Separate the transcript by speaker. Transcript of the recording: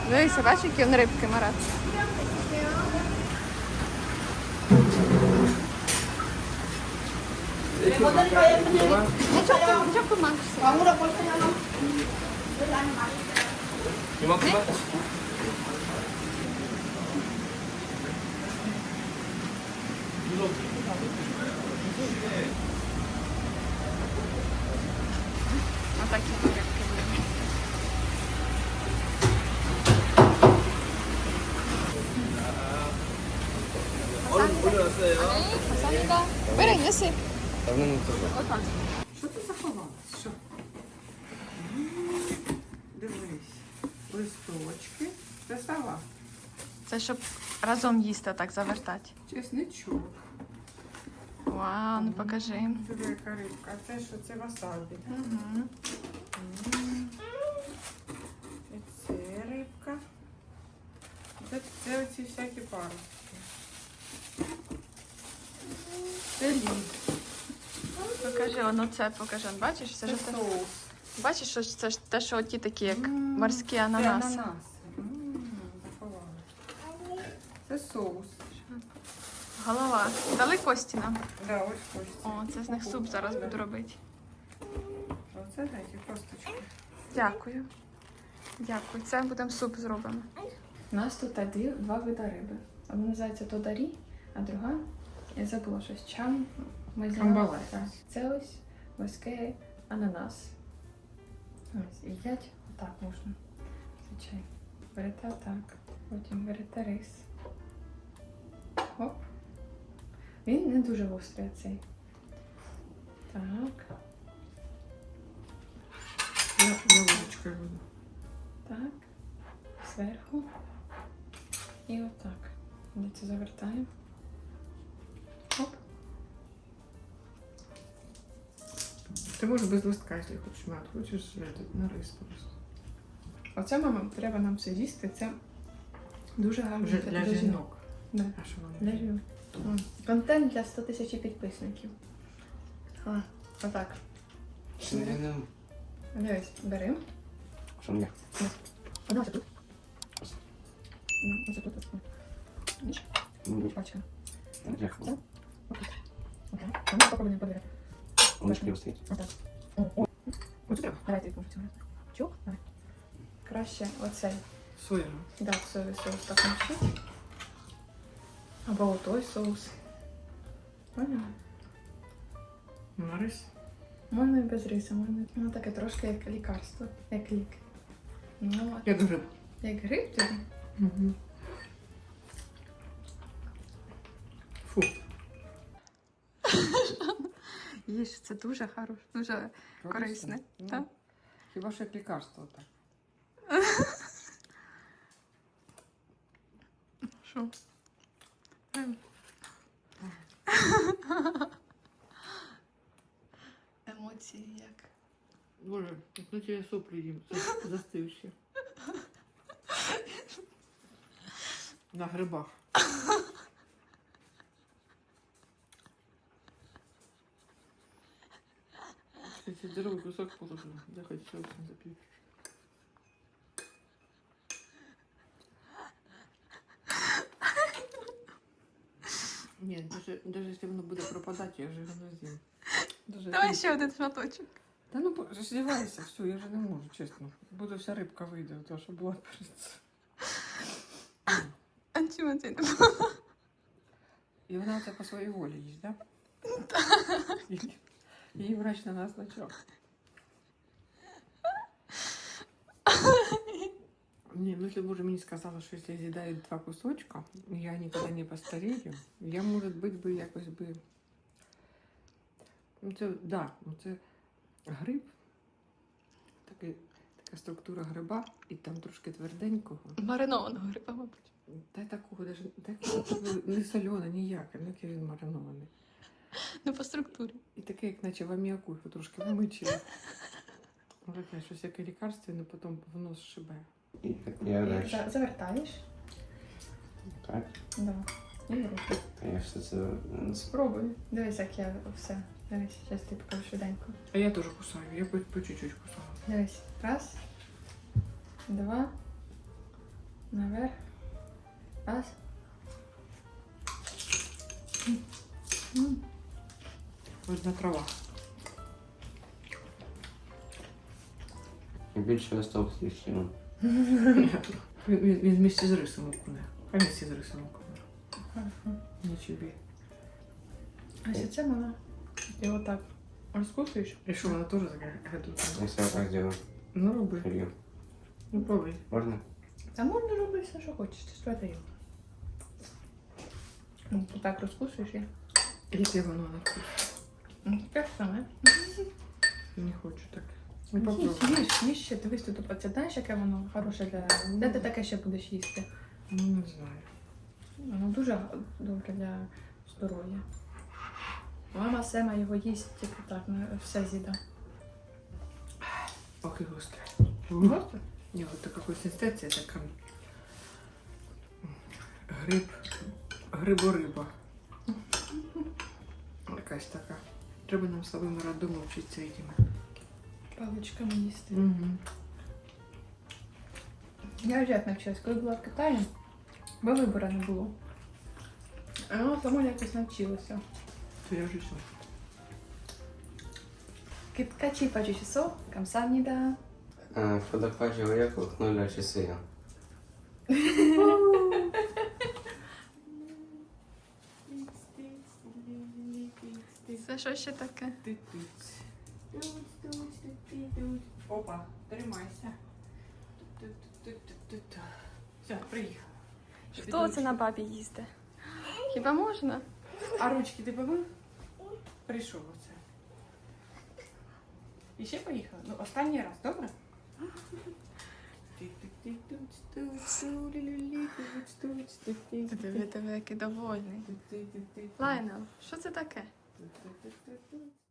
Speaker 1: Дивися, бачиш, які він рибки, Марат. Нічого помагся. Отакі рибки були. Фасоліка. Бери, неси. Отак.
Speaker 2: Що ти заховалась? Що? Дивись. Листочки. Це салат.
Speaker 1: Це щоб разом їсти, так завертати.
Speaker 2: Чесничок.
Speaker 1: Вау, ну покажи.
Speaker 2: Диви, яка рибка. А це що? Це васабі.
Speaker 1: Угу.
Speaker 2: І це рибка. Це оці всякі паростки. Це лід.
Speaker 1: Покажи, воно це покажи. Бачиш, це
Speaker 2: Це
Speaker 1: ж те.
Speaker 2: соус.
Speaker 1: Бачиш, що це ж те, що оті такі, як морські
Speaker 2: Це
Speaker 1: ананаси.
Speaker 2: ананаси. Заховала. Це соус.
Speaker 1: Голова. Дали кості нам.
Speaker 2: Да, ось кості.
Speaker 1: О, це з них суп зараз буду робити.
Speaker 2: Оце такі косточки.
Speaker 1: Дякую. Дякую. Це будемо суп зробимо. У нас тут два види риби. Одна називається тодарі, а друга, я забула щось, чам.
Speaker 2: Камбалес.
Speaker 1: Це ось морський ананас. Ось, їдять отак можна. Звичайно. Берете отак, потім берете рис. Оп. Він не дуже гострий цей. Так.
Speaker 2: Я ложечкою буду.
Speaker 1: Так. Зверху. І отак. Ми це завертаємо. Оп.
Speaker 2: Ти можеш без листка, якщо хочеш мати. Хочеш на рис просто.
Speaker 1: Оце, мама, треба нам все їсти. Це дуже гарно
Speaker 2: Вже для жінок.
Speaker 1: Да.
Speaker 2: А що вони?
Speaker 1: Для жінок. Контент для 100 тисяч підписників. Отак. Дивись, беремо.
Speaker 3: Що мені?
Speaker 1: Одна ось тут. Ось тут. Бачиш? Пачка.
Speaker 3: Дякую.
Speaker 1: Отак. А ну попробуємо подивити.
Speaker 3: Он шкіл стоїть.
Speaker 1: Отак. Ось тут. Давай ти цього. Чук? Давай. Краще оцей.
Speaker 2: Соєвий.
Speaker 1: Да, соєвий соус так мочить. Або отой соус. Поняла?
Speaker 2: На рис.
Speaker 1: Можна і без риса, можна. Воно таке трошки як лікарство, як лік. Ну,
Speaker 2: Я дуже.
Speaker 1: як гриб тобі.
Speaker 2: Угу. Фу.
Speaker 1: Їж, це дуже хороше, дуже корисне.
Speaker 2: Ну,
Speaker 1: Так?
Speaker 2: Хіба що як лікарство так.
Speaker 1: Що? Емоції як.
Speaker 2: Боже, як я соплі їм застивши. На грибах. Кстати, здоровий кусок положила. Я хоть соусом запью. Ні, даже якщо воно буде пропадати, я вже його не з'їм.
Speaker 1: Давай ще один шматочок.
Speaker 2: Та ну роздівайся, все, я вже не можу, чесно. Буде вся рибка вийде, то що була перед цим.
Speaker 1: А чому це не
Speaker 2: І вона це по своїй волі їсть, так? Так. Її врач на нас назначав. Не, ну если бы уже мне сказала, что если я съедаю 2 кусочка, я никогда не постарею, я, может быть, би якось би... Ну, це, да, ну, це гриб, така структура гриба, і там трошки тверденького.
Speaker 1: Маринованого гриба, мабуть.
Speaker 2: Та такого, даже, не солене, ніяке, ну який він маринований.
Speaker 1: Ну, по структурі.
Speaker 2: І таке, як наче в аміаку його трошки вимичили. Може, таке, щось яке лікарственне, потім в нос шибе.
Speaker 3: І я далі.
Speaker 1: Завертаєш.
Speaker 3: Так.
Speaker 1: Да. І в руки.
Speaker 3: А я все це...
Speaker 1: Спробуй. Дивись, як я все. Дивись, зараз ти покажу швиденько.
Speaker 2: А я теж кусаю, я по чуть-чуть кусаю.
Speaker 1: Дивись. Раз. Два. Наверх. Раз.
Speaker 2: Видна трава.
Speaker 3: Більше осталось лишнього.
Speaker 2: Він вместе з рисом окуне. А вместе з рисом окуне. Не чебі.
Speaker 1: А ще це вона. І отак розкусуєш.
Speaker 2: І що, вона теж гадує?
Speaker 3: Якщо я так зроблю.
Speaker 2: Ну, роби.
Speaker 3: Фільм.
Speaker 2: Ну, пробуй.
Speaker 3: Можна?
Speaker 1: Та можна робити все, що хочеш, це ж твоє. Ну, отак розкусуєш і.
Speaker 2: Яке воно на вкус?
Speaker 1: Ну, таке ж саме.
Speaker 2: Не хочу так. Ну,
Speaker 1: Їж,
Speaker 2: попробуй.
Speaker 1: їж ще, дивись тут, це знаєш, яке воно хороше для... Де ти таке ще будеш їсти?
Speaker 2: Ну, не знаю.
Speaker 1: Воно дуже добре для здоров'я. Мама Сема його їсть тільки так, все з'їда.
Speaker 2: Ох, і гостре.
Speaker 1: Просто?
Speaker 2: Ні, от така консистенція така. Грибориба. Якась така. Треба нам з Славою роддому вчитися цими.
Speaker 1: Паличками їсти.
Speaker 2: Угу.
Speaker 1: Я вже як навчилась, коли була в Китаї, бо вибору не було. А воно само якось навчилося.
Speaker 2: То я вже що?
Speaker 1: Киткачі пачі часов, камсамніда.
Speaker 3: В водопаді уехал, 0 часи.
Speaker 1: Це що ще таке?
Speaker 2: Опа, тримайся. Все, приїхала.
Speaker 1: Хто це на бабі їсти? Хіба можна?
Speaker 2: А ручки ти помив? Прийшов оце. І ще поїхала? Ну, останній раз, добре?
Speaker 1: Диви, який довольний. Лайнел, що це таке?